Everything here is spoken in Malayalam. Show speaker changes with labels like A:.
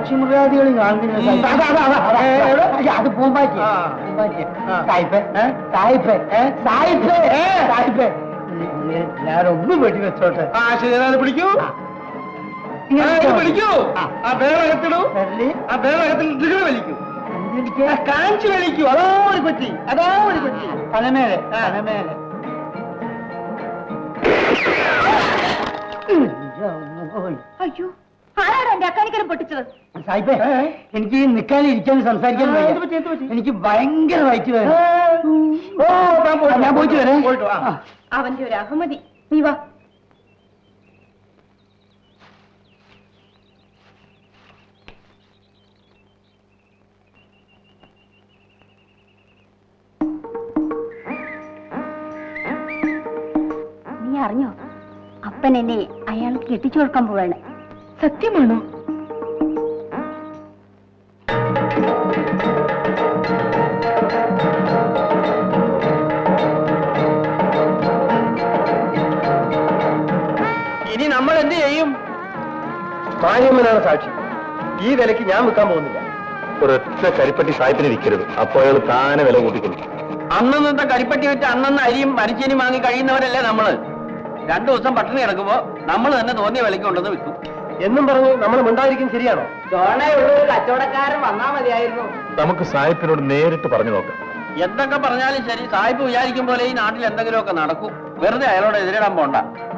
A: പക്ഷിമൃഗാദികളും കാണുന്നില്ല. അത് പൂമ്പാറ്റി. ഞാനൊന്നും വെടി വെച്ചോട്ടെ.
B: ശരി, പിടിക്കൂ പിടിക്കൂ. ആ ബേറകത്തിടൂ. ആ ബേറകത്തിൽ വലിക്കൂ. കാഞ്ചി വലിക്കൂ. അതോ ഒരു പറ്റി, അതോ ഒരു പറ്റി.
A: തലമേലെ തലമേലെ.
C: അയ്യോ, ആരാണ് എന്റെ അക്കാനിക്കരം പൊട്ടിച്ചത്?
A: സായിപ്പേ, എനിക്ക് നിൽക്കാനും ഇരിക്കാനും സംസാരിക്കാനും എനിക്ക് ഭയങ്കര വയറ്റ് വേണം. ഞാൻ പോയിട്ട് വരാം.
C: അവന്റെ ഒരു അഹമ്മതി. നീ വാ. നീ അറിഞ്ഞോ, അപ്പൻ എന്നെ അയാൾക്ക് കെട്ടിച്ചു കൊടുക്കാൻ പോവാണ്. സത്യമാണോ?
B: ഇനി നമ്മൾ എന്ത് ചെയ്യും? മാര്യമ്മനാണ് സാക്ഷി. ഈ വിലക്ക് ഞാൻ വിൽക്കാൻ പോകുന്നില്ല.
D: ഒരൊറ്റ കരിപ്പട്ടി സായിപ്പിന് വിൽക്കരുത്. അപ്പോൾ അയാൾ താനെ വില കൂട്ടിക്കൊള്ളു.
B: അന്നത്തെ കരിപ്പട്ടി വെച്ച് അന്നന്ന് അരിയും മരിച്ചേനും വാങ്ങി കഴിയുന്നവരല്ലേ നമ്മള്. 2 ദിവസം പട്ടിണി കിടക്കുമ്പോ നമ്മൾ തന്നെ തോന്നിയ വിലക്ക് കൊണ്ടുവന്ന് വിൽക്കും എന്നും പറഞ്ഞു നമ്മൾ മിണ്ടായിരിക്കും. ശരിയാണോ?
E: ചോണയുള്ളൊരു കച്ചവടക്കാരൻ വന്നാ മതിയായിരുന്നു.
D: നമുക്ക് സായിപ്പിനോട് നേരിട്ട് പറഞ്ഞു നോക്കാം.
B: എന്തൊക്കെ പറഞ്ഞാലും ശരി, സായിപ്പ് വിചാരിക്കും പോലെ ഈ നാട്ടിൽ എന്തെങ്കിലുമൊക്കെ നടക്കും. വെറുതെ അയാളോട് എതിരിടാൻ പോണ്ട.